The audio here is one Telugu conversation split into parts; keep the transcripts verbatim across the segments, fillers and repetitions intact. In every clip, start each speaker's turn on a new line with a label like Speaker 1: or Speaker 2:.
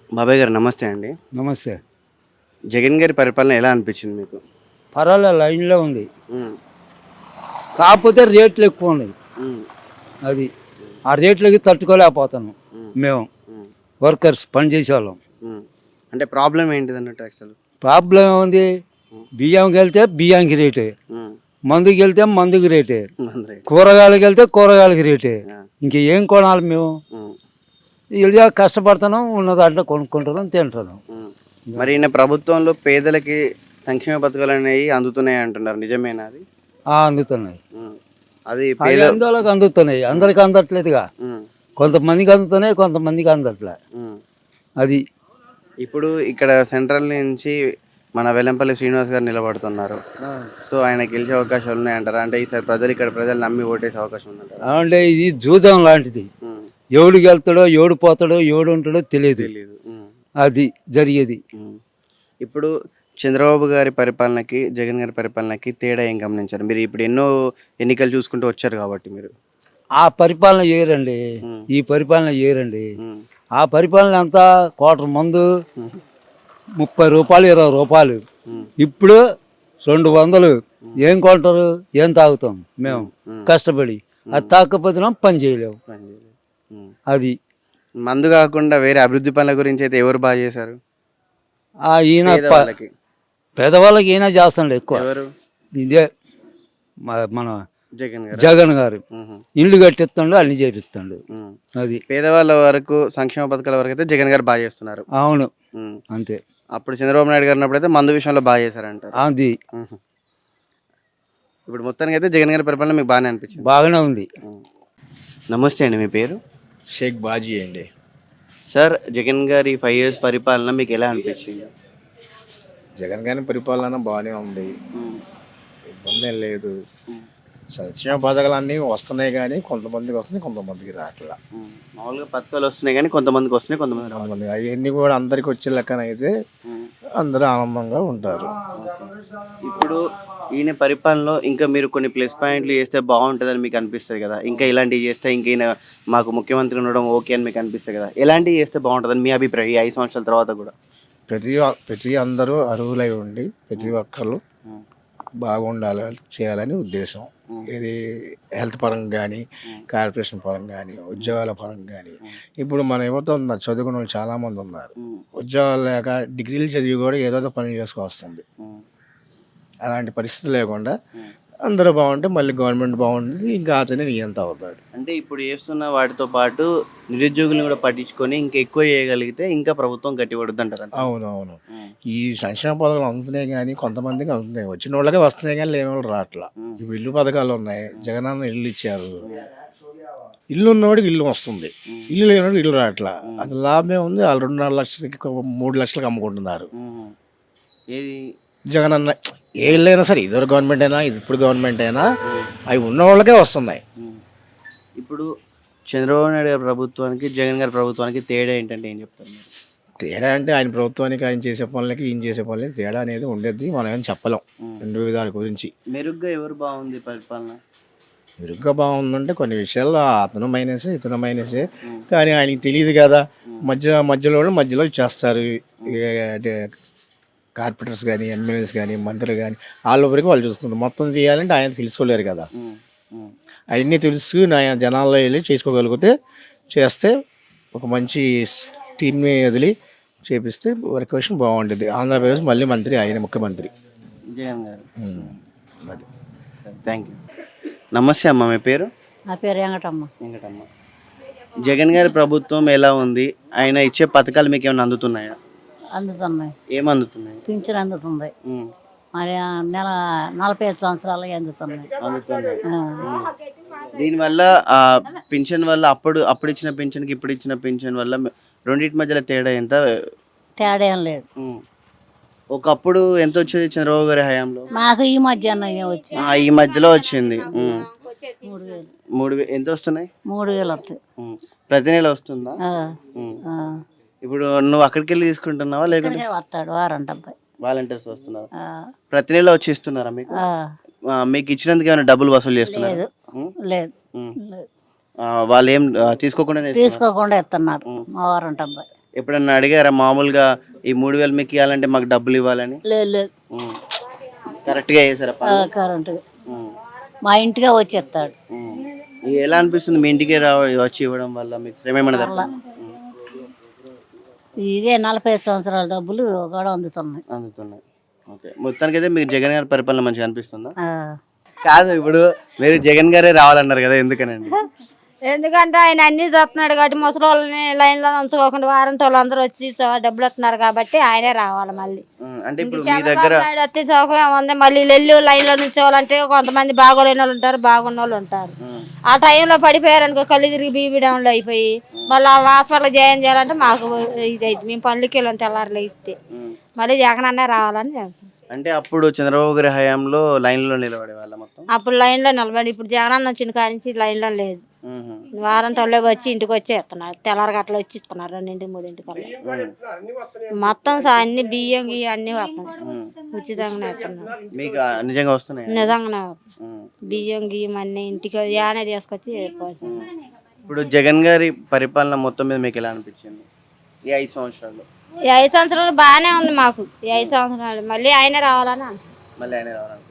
Speaker 1: బాబాయ్ గారు నమస్తే అండి.
Speaker 2: నమస్తే.
Speaker 1: జగన్ గారి పరిపాలన ఎలా అనిపించింది మీకు?
Speaker 2: పర్వాలే లైన్లో ఉంది.
Speaker 1: హ్మ్.
Speaker 2: కాకపోతే రేట్లు ఎక్కువ ఉన్నాయి.
Speaker 1: హ్మ్.
Speaker 2: అది ఆ రేట్లకి తట్టుకోలేకపోతున్నాం
Speaker 1: హ్మ్.
Speaker 2: మేము
Speaker 1: హ్మ్.
Speaker 2: వర్కర్స్ పని చేసేవాళ్ళం.
Speaker 1: హ్మ్. అంటే ప్రాబ్లమ్ ఏంటిదన్నట్టు అసలు?
Speaker 2: ప్రాబ్లం ఏముంది? బియ్యంకి వెళ్తే బియ్యానికి రేటే,
Speaker 1: హ్మ్.
Speaker 2: మందుకి వెళ్తే మందుకి రేటే,
Speaker 1: మంది.
Speaker 2: కూరగాయలకి వెళ్తే కూరగాయలకి రేటే.
Speaker 1: ఆ!
Speaker 2: ఇంకేం కొనాలి మేము?
Speaker 1: హ్మ్.
Speaker 2: ఇలా కష్టపడుతున్నాం, ఉన్న దాంట్లో కొనుక్కుంటున్నాం, తింటున్నాం.
Speaker 1: హ్మ్. మరి ఈయన ప్రభుత్వంలో పేదలకి సంక్షేమ పథకాలనేవి అందుతున్నాయి అంటున్నారు. నిజమేనా అది?
Speaker 2: ఆ, అందుతున్నాయి.
Speaker 1: హ్మ్. అది
Speaker 2: అవి
Speaker 1: పేద
Speaker 2: అందరికి అందుతున్నాయి, అందరికి అందట్లేదుగా.
Speaker 1: హ్మ్.
Speaker 2: కొంతమందికి అందుతున్నాయి, కొంతమందికి అందట్లే.
Speaker 1: హ్మ్.
Speaker 2: అది
Speaker 1: ఇప్పుడు ఇక్కడ సెంట్రల్ నుంచి మన వెల్లంపల్లి శ్రీనివాస్ గారు నిలబడుతున్నారు. సో ఆయన గెలిచే అవకాశాలు ఉన్నాయంటారా? అంటే ఈసారి ప్రజలు ఇక్కడ ప్రజలు నమ్మి ఓటేసే అవకాశం ఉందంటారా?
Speaker 2: అంటే ఇది జూదం లాంటిది.
Speaker 1: హ్మ్.
Speaker 2: ఎవడికి వెళ్తాడో, ఎవడు పోతాడో, ఎవడు ఉంటాడో తెలియదు.
Speaker 1: తెలీదు. హ్మ్.
Speaker 2: అది జరిగేది.
Speaker 1: హ్మ్. ఇప్పుడు చంద్రబాబు గారి పరిపాలనకి, జగన్ గారి పరిపాలనకి తేడా ఏం గమనించారు? మీరు ఇప్పుడు ఎన్నో ఎన్నికలు చూసుకుంటూ వచ్చారు కాబట్టి మీరు.
Speaker 2: ఆ పరిపాలన చేయరండి,
Speaker 1: హ్మ్.
Speaker 2: ఈ పరిపాలన చేయరండి.
Speaker 1: హ్మ్.
Speaker 2: ఆ పరిపాలన అంతా కోటర్ మందు
Speaker 1: హ్మ్.
Speaker 2: ముప్పై రూపాయలు ఇరవై రూపాయలు.
Speaker 1: హ్మ్.
Speaker 2: ఇప్పుడు రెండు వందలు. ఏం కొంటారు, ఏం తాగుతాం మేము
Speaker 1: హ్మ్.
Speaker 2: కష్టపడి? అది తాకపోతే పని చేయలేము.
Speaker 1: పని చేయలేదు. హ్మ్.
Speaker 2: అది
Speaker 1: మందు కాకుండా వేరే అభివృద్ధి పనుల గురించి అయితే ఎవరు బాగా చేశారు?
Speaker 2: ఆ ఈయన ప-
Speaker 1: పేదవాళ్ళకి.
Speaker 2: పేదవాళ్ళకి ఈయన చేస్తాడు ఎక్కువ.
Speaker 1: ఎవరు?
Speaker 2: ఇదే మ- మన
Speaker 1: జగన్ గారా?
Speaker 2: జగన్ గారు
Speaker 1: హుహు.
Speaker 2: ఇల్లు కట్టిస్తాడు, అన్ని చేపిస్తాడు.
Speaker 1: హ్మ్.
Speaker 2: అది
Speaker 1: పేదవాళ్ళ వరకు సంక్షేమ పథకాల వరకు అయితే జగన్ గారు బాగా చేస్తున్నారు.
Speaker 2: అవును,
Speaker 1: హ్మ్.
Speaker 2: అంతే.
Speaker 1: అప్పుడు చంద్రబాబు నాయుడు గారు ఉన్నప్పుడైతే మందు విషయంలో బాగా చేశారంటారు.
Speaker 2: అది
Speaker 1: హుహు. ఇప్పుడు మొత్తానికి అయితే జగన్ గారి పరిపాలన మీకు బాగానే అనిపించింది.
Speaker 2: బాగానే ఉంది.
Speaker 1: హ్మ్. నమస్తే అండి. మీ పేరు?
Speaker 3: షేక్ బాజీ అండి.
Speaker 1: సార్ జగన్ గారి ఫైవ్ ఇయర్స్ పరిపాలన మీకు ఎలా అనిపించింది?
Speaker 3: జగన్ గారి పరిపాలన బాగానే ఉంది,
Speaker 1: హ్మ్.
Speaker 3: ఇబ్బంది ఏం లేదు.
Speaker 1: హ్మ్.
Speaker 3: సంక్షేమ పథకాలు అన్నీ వస్తున్నాయి కానీ కొంతమందికి వస్తున్నాయి, కొంతమందికి రావట్లా.
Speaker 1: హ్మ్. మామూలుగా పథకాలు వస్తున్నాయి కానీ కొంతమందికి వస్తున్నాయి, కొంతమంది రావట్లేదు.
Speaker 3: కొంతమంది అవన్నీ కూడా అందరికి వచ్చే లెక్కన అయితే
Speaker 1: హ్మ్.
Speaker 3: అందరూ ఆనందంగా ఉంటారు.
Speaker 1: ఇప్పుడు ఈయన పరిపాలనలో ఇంకా మీరు కొన్ని ప్లస్ పాయింట్లు చేస్తే బాగుంటుందని మీకు అనిపిస్తుంది కదా? ఇంకా ఇలాంటివి చేస్తే ఇంక ఈయన మాకు ముఖ్యమంత్రి ఉండడం ఓకే అని మీకు అనిపిస్తుంది కదా? ఎలాంటివి చేస్తే బాగుంటుందని మీ అభిప్రాయం ఈ ఐదు సంవత్సరాల తర్వాత కూడా?
Speaker 3: ప్రతి ప్రతి అందరూ అర్హులై ఉండి ప్రతి ఒక్కరు
Speaker 1: హ్మ్.
Speaker 3: బాగుండాలని చేయాలని ఉద్దేశం. ఇది హెల్త్ పరంగా కానీ, కార్పొరేషన్ పరంగా కానీ, ఉద్యోగాల పరంగా కానీ. ఇప్పుడు మన యువత ఉన్నారు, చదువుకున్న వాళ్ళు చాలామంది ఉన్నారు.
Speaker 1: హ్మ్.
Speaker 3: ఉద్యోగాలు లేక డిగ్రీలు చదివి కూడా ఏదో ఒక పని చేసుకొస్తుంది.
Speaker 1: హ్మ్.
Speaker 3: అలాంటి పరిస్థితి లేకుండా
Speaker 1: హ్మ్.
Speaker 3: అందరూ బాగుంటే మళ్ళీ గవర్నమెంట్ బాగుంటుంది, ఇంకా అతనే నియంత అవుతాడు.
Speaker 1: అంటే ఇప్పుడు చేస్తున్న వాటితో పాటు నిరుద్యోగులను కూడా పట్టించుకొని ఇంకా ఎక్కువ చేయగలిగితే ఇంకా ప్రభుత్వం గట్టిపడుద్ది అంటారు.
Speaker 3: అవునవును. ఈ సంక్షేమ పథకాలు అందుతున్నాయి కానీ కొంతమందికి అందుతున్నాయి, వచ్చిన వాళ్ళకే వస్తున్నాయి కానీ లేని వాళ్ళు రావట్లా. ఇవి ఇల్లు పథకాలు ఉన్నాయి, జగనన్న ఇల్లు ఇచ్చారు. ఇల్లు ఉన్నవాడికి ఇల్లు వస్తుంది, ఇల్లు లేనివాడికి ఇల్లు రావట్లా. అది లాభమే ఉంది. వాళ్ళు రెండున్నర లక్షలకి మూడు లక్షలకి అమ్ముకుంటున్నారు.
Speaker 1: హ్మ్. ఏది?
Speaker 3: జగనన్న ఏ ఇల్లు అయినా సరే, ఇదివరకు గవర్నమెంట్ అయినా ఇప్పుడు గవర్నమెంట్ అయినా అవి ఉన్న వాళ్ళకే వస్తున్నాయి.
Speaker 1: హ్మ్. ఇప్పుడు చంద్రబాబు నాయుడు గారి ప్రభుత్వానికి జగన్ గారి ప్రభుత్వానికి తేడా ఏంటంటే ఏం చెప్తారు మీరు?
Speaker 3: తేడా అంటే ఆయన ప్రభుత్వానికి ఆయన చేసే పనులకి ఈయన చేసే పనులకి తేడా అనేది ఉండేది, మనం ఏం చెప్పలేం రెండు విధాల గురించి.
Speaker 1: మెరుగ్గా ఎవరు బాగుంది పరిపాలన?
Speaker 3: మెరుగ్గా బాగుందంటే కొన్ని విషయాల్లో అతను మైనసే ఇతను మైనసే, కానీ ఆయనకి తెలియదు కదా. మధ్య మధ్యలో మధ్యలో చేస్తారు. అంటే కార్పొరేటర్స్ కానీ, ఎమ్మెల్యేస్ కానీ, మంత్రులు కానీ వాళ్ళ వరకు వాళ్ళు చూసుకుంటారు. మొత్తం చేయాలంటే ఆయన తెలుసుకోలేరు కదా.
Speaker 1: హ్మ్. హ్మ్.
Speaker 3: అవన్నీ తెలుసుకుని ఆయన జనాల్లో వెళ్ళి చేసుకోగలిగితే చేస్తే ఒక మంచి టీమ్ని వదిలి చేపిస్తే వర్కేషన్ బాగుంటుంది. ఆంధ్రప్రదేశ్ మళ్ళీ మంత్రి ఆయన ముఖ్యమంత్రి.
Speaker 1: జగన్ గారు.
Speaker 3: ఉమ్, అది.
Speaker 1: Thank you. నమస్తే అమ్మ. మీ పేరు?
Speaker 4: నా పేరు వెంకటమ్మ.
Speaker 1: వెంకటమ్మ. జగన్ గారి ప్రభుత్వం ఎలా ఉంది? ఆయన ఇచ్చే పథకాలు మీకు ఏమైనా అందుతున్నాయా?
Speaker 4: అందుతున్నాయి,
Speaker 1: ఏం అందుతున్నాయి?
Speaker 4: పింఛన్ అందుతుంది.
Speaker 1: హ్మ్.
Speaker 4: మరి ఆ నెల నలభై ఐదు సంవత్సరాలకి అందుతున్నాయి.
Speaker 1: అందుతున్నాయి.
Speaker 4: ఆ.
Speaker 1: దీనివల్ల ఆ పింఛన్ వల్ల అప్పుడు అప్పుడు ఇచ్చిన పింఛన్కి ఇప్పుడు ఇచ్చిన పింఛన్ వల్ల రెండింటి మధ్యలో తేడా ఎంత?
Speaker 4: తేడా ఏం లేదు.
Speaker 1: ఉమ్. ఒకప్పుడు ఎంత వచ్చేది చంద్రబాబు గారి హయాంలో?
Speaker 4: మాకు ఈ మధ్యాహ్నం వచ్చి
Speaker 1: ఆ, ఈ మధ్యలో వచ్చింది. ఉమ్.
Speaker 4: మూడు వేలు
Speaker 1: మూడు వే- ఎంత వస్తున్నాయి?
Speaker 4: మూడు వేలు వస్తాయి.
Speaker 1: ఉమ్. ప్రతి నెల వస్తుందా?
Speaker 4: ఆ.
Speaker 1: ఉమ్.
Speaker 4: ఆ.
Speaker 1: ఇప్పుడు నువ్వు అక్కడికి వెళ్ళి తీసుకుంటున్నావా లేకుంటే
Speaker 4: ఇక్కడికే వస్తాడు వారంట అబ్బాయి.
Speaker 1: వాలంటీర్స్ వస్తున్నారు?
Speaker 4: ఆ.
Speaker 1: ప్రతి నెల వచ్చి ఇస్తున్నారా మీకు?
Speaker 4: ఆ.
Speaker 1: ఆ, మీకు ఇచ్చినందుకు ఏమైనా డబ్బులు వసూలు చేస్తున్నారు?
Speaker 4: లేదు లేదు లేదు.
Speaker 1: వాళ్ళు ఏం ఆ, తీసుకోకుండా
Speaker 4: తీసుకోకుండా ఇస్తున్నారు మా వారంట అబ్బాయి.
Speaker 1: ఎప్పుడన్నా అడిగారా మామూలుగా ఈ మూడు వేలు మీకు ఇవ్వాలంటే మాకు డబ్బులు ఇవ్వాలని?
Speaker 4: లేదు లేదు
Speaker 1: ఉమ్. కరెక్ట్గా చేశారా పని?
Speaker 4: కరెంటు
Speaker 1: ఉమ్.
Speaker 4: మా ఇంటికే వచ్చేస్తాడు.
Speaker 1: ఉమ్. ఇది ఎలా అనిపిస్తుంది మీ ఇంటికే రావ వచ్చి ఇవ్వడం వల్ల మీకు శ్రమ ఏమైనా తప్ప
Speaker 4: ఇదే నలభై ఐదు సంవత్సరాల డబ్బులు కూడా అందుతున్నాయి.
Speaker 1: అందుతున్నాయి? ఓకే, మొత్తానికి అయితే మీకు జగన్ గారి పరిపాలన మంచిగా అనిపిస్తుందా?
Speaker 4: ఆ.
Speaker 1: కాదు, ఇప్పుడు మీరు జగన్ గారే రావాలన్నారు కదా, ఎందుకనండి?
Speaker 5: ఎందుకంటే ఆయన అన్ని చూస్తున్నాడు కాబట్టి ముసలి వాళ్ళని లైన్లో ఉంచుకోకుండా వారంటీ వాళ్ళు అందరూ వచ్చి స- డబ్బులు వస్తున్నారు కాబట్టి ఆయనే రావాలి మళ్ళీ.
Speaker 1: ఉమ్, అంటే ఇప్పుడు మీ దగ్గర
Speaker 5: చంద్రబాబు నాయుడు వచ్చి సౌకర్యం ఉంది, మళ్ళీ వెళ్ళి లైన్లో నుంచోవాలంటే కొంతమంది బాగోలేని వాళ్ళు ఉంటారు, బాగున్న వాళ్ళు ఉంటారు.
Speaker 1: ఉమ్,
Speaker 5: ఆ టైంలో పడిపోయారు అనుకో, కళ్ళు తిరిగి బీబీ డౌన్లో అయిపోయి మళ్ళీ వాళ్ళ హాస్పిటల్ జాయిన్ చేయాలంటే మాకు ఇది అయితే మేము పనులకి వెళ్ళాం తెల్లారులు ఇస్తే
Speaker 1: ఉమ్.
Speaker 5: మళ్ళీ జగన్ అన్నే రావాలని చెప్తాం.
Speaker 1: అంటే అప్పుడు చంద్రబాబు గారి హయాంలో లైన్లో నిలబడే వాళ్ళ మొత్తం.
Speaker 5: అప్పుడు లైన్లో నిలబడి ఇప్పుడు జగన్ అన్న వచ్చిన కాడి నుంచి లైన్లో లేదు.
Speaker 1: ఉహు.
Speaker 5: వారం తొలే వచ్చి ఇంటికి వచ్చి ఇస్తున్నారు, తెల్లారి గట్ల వచ్చి ఇస్తున్నారు రెండింటి మూడింటికి అలా. మొత్తం సా- అన్ని బియ్యం గియ్యం అన్ని వస్తున్నాయి, ఉచితంగానే ఇస్తున్నారు.
Speaker 1: మీకు ఆ నిజంగా వస్తున్నాయి?
Speaker 5: నిజంగానే బియ్యం గియ్యం అన్ని ఇంటికి యానే తీసుకొచ్చి పోస్తున్నారు.
Speaker 1: ఇప్పుడు జగన్ గారి పరిపాలన మొత్తం మీద మీకు ఎలా అనిపించింది ఈ ఐదు సంవత్సరాల్లో?
Speaker 5: ఈ ఐదు సంవత్సరాలు బాగానే ఉంది మాకు. ఈ ఐదు సంవత్సరాలు మళ్ళీ ఆయనే రావాలని అంటున్నాం.
Speaker 1: మళ్ళీ ఆయన రావాలని.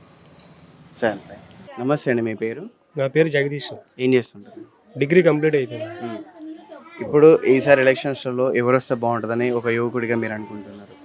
Speaker 1: సరే, థాంక్స్. నమస్తే అండి, మీ పేరు?
Speaker 6: నా పేరు జగదీష్.
Speaker 1: ఏం చేస్తుంటారు?
Speaker 6: డిగ్రీ కంప్లీట్ అయిపోయింది.
Speaker 1: ఉమ్. ఇప్పుడు ఈసారి ఎలక్షన్స్లో ఎవరు వస్తే బాగుంటుందని ఒక యువకుడిగా మీరు అనుకుంటున్నారు?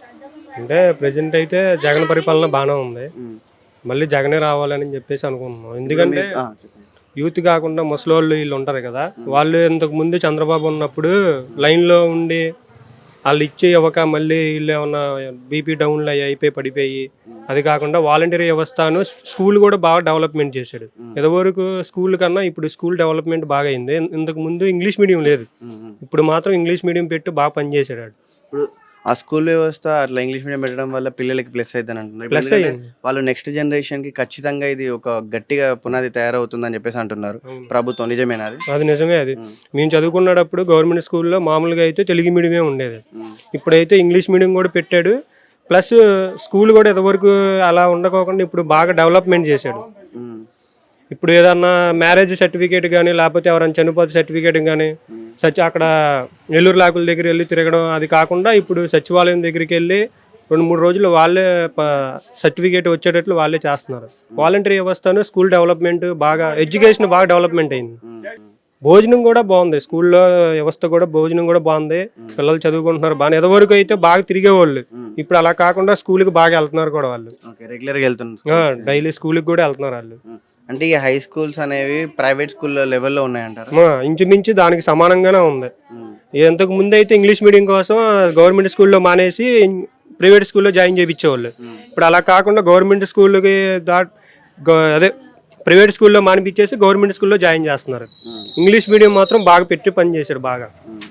Speaker 6: అంటే ప్రజెంట్ అయితే జగన్ పరిపాలన బాగానే ఉంది,
Speaker 1: ఉమ్.
Speaker 6: మళ్ళీ జగనే రావాలని చెప్పేసి అనుకుంటున్నాం. ఎందుకంటే
Speaker 1: మీరు- ఆ, చెప్పండి.
Speaker 6: యూత్ కాకుండా ముసలోళ్ళు వీళ్ళు ఉంటారు కదా, వాళ్ళు ఇంతకు ముందు చంద్రబాబు ఉన్నప్పుడు లైన్లో ఉండి వాళ్ళు ఇచ్చే ఇవ్వక మళ్ళీ వీళ్ళు ఏమన్నా బీపీ డౌన్లు అయ్యి అయిపోయి పడిపోయి, అది కాకుండా వాలంటీర్ వ్యవస్థను స్కూల్ కూడా బాగా డెవలప్మెంట్ చేశాడు. ఇదివరకు స్కూల్ కన్నా ఇప్పుడు స్కూల్ డెవలప్మెంట్ బాగా అయింది. ఇంతకు ముందు ఇంగ్లీష్ మీడియం లేదు,
Speaker 1: ఉమ్, ఉమ్.
Speaker 6: ఇప్పుడు మాత్రం ఇంగ్లీష్ మీడియం పెట్టి బాగా పనిచేసాడు వాడు.
Speaker 1: ఇప్పుడు ఆ స్కూల్ వ్యవస్థ అట్లా ఇంగ్లీష్ మీడియం పెట్టడం వల్ల పిల్లలకి ప్లస్ అవుతుందని అంటున్నారు.
Speaker 6: ప్లస్
Speaker 1: ఎందుకంటే
Speaker 6: అయ్యింది.
Speaker 1: వాళ్ళు నెక్స్ట్ జనరేషన్ కి ఖచ్చితంగా ఇది ఒక గట్టిగా పునాది తయారవుతుందని చెప్పేసి అంటున్నారు ప్రభుత్వం. నిజమేనా అది?
Speaker 6: అది నిజమే. అది మేము చదువుకున్నప్పుడు గవర్నమెంట్ స్కూల్లో మామూలుగా అయితే తెలుగు మీడియమే ఉండేది, ఇప్పుడైతే ఇంగ్లీష్ మీడియం కూడా పెట్టాడు. ప్లస్ స్కూల్ కూడా ఇంతవరకు అలా ఉండకోకుండా ఇప్పుడు బాగా డెవలప్మెంట్ చేశాడు.
Speaker 1: ఉమ్.
Speaker 6: ఇప్పుడు ఏదన్నా మ్యారేజ్ సర్టిఫికేట్ కానీ లేకపోతే ఎవరైనా చనిపోతే సర్టిఫికేట్ కానీ సచి అక్కడ నెల్లూరు లాకుల దగ్గర వెళ్ళి తిరగడం, అది కాకుండా ఇప్పుడు సచివాలయం దగ్గరికి వెళ్ళి రెండు మూడు రోజులు వాళ్ళే సర్టిఫికేట్ వచ్చేటట్లు వాళ్ళే చేస్తున్నారు. వాలంటరీ వ్యవస్థను స్కూల్ డెవలప్మెంట్ బాగా, ఎడ్యుకేషన్ బాగా డెవలప్మెంట్ అయింది. భోజనం కూడా బాగుంది, స్కూల్లో వ్యవస్థ కూడా భోజనం కూడా బాగుంది, పిల్లలు చదువుకుంటున్నారు బాగా. ఎదవరకు అయితే బాగా తిరిగేవాళ్ళు, ఇప్పుడు అలా కాకుండా స్కూల్కి బాగా వెళ్తున్నారు కూడా వాళ్ళు.
Speaker 1: ఓకే, రెగ్యులర్ గా వెళ్తున్నారు.
Speaker 6: డైలీ స్కూల్కి కూడా వెళ్తున్నారు వాళ్ళు.
Speaker 1: అంటే ఈ హై స్కూల్స్ అనేవి ప్రైవేట్ స్కూల్ లెవెల్లో ఉన్నాయంటారు?
Speaker 6: ఆ, ఇంచుమించు దానికి సమానంగానే ఉంది. ఇంతకు ముందు అయితే ఇంగ్లీష్ మీడియం కోసం గవర్నమెంట్ స్కూల్లో మానేసి ప్రైవేట్ స్కూల్లో జాయిన్ చేయించేవాళ్ళు. ఇప్పుడు అలా కాకుండా గవర్నమెంట్ స్కూల్కి దా గ- అదే ప్రైవేట్ స్కూల్లో మానిపించేసి గవర్నమెంట్ స్కూల్లో జాయిన్ చేస్తున్నారు. ఇంగ్లీష్ మీడియం మాత్రం బాగా పెట్టి పని చేశాడు బాగా.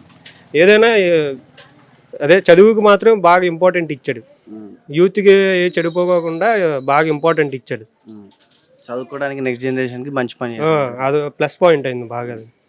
Speaker 6: ఏదైనా ఏ- అదే చదువుకు మాత్రం బాగా ఇంపార్టెంట్ ఇచ్చాడు, యూత్కి చెడిపోకుండా బాగా ఇంపార్టెంట్ ఇచ్చాడు.
Speaker 1: చదువుకోవడానికి నెక్స్ట్ జనరేషన్ కి మంచి పని
Speaker 6: ఆ, అది ప్లస్ పాయింట్ అయింది బాగా. అది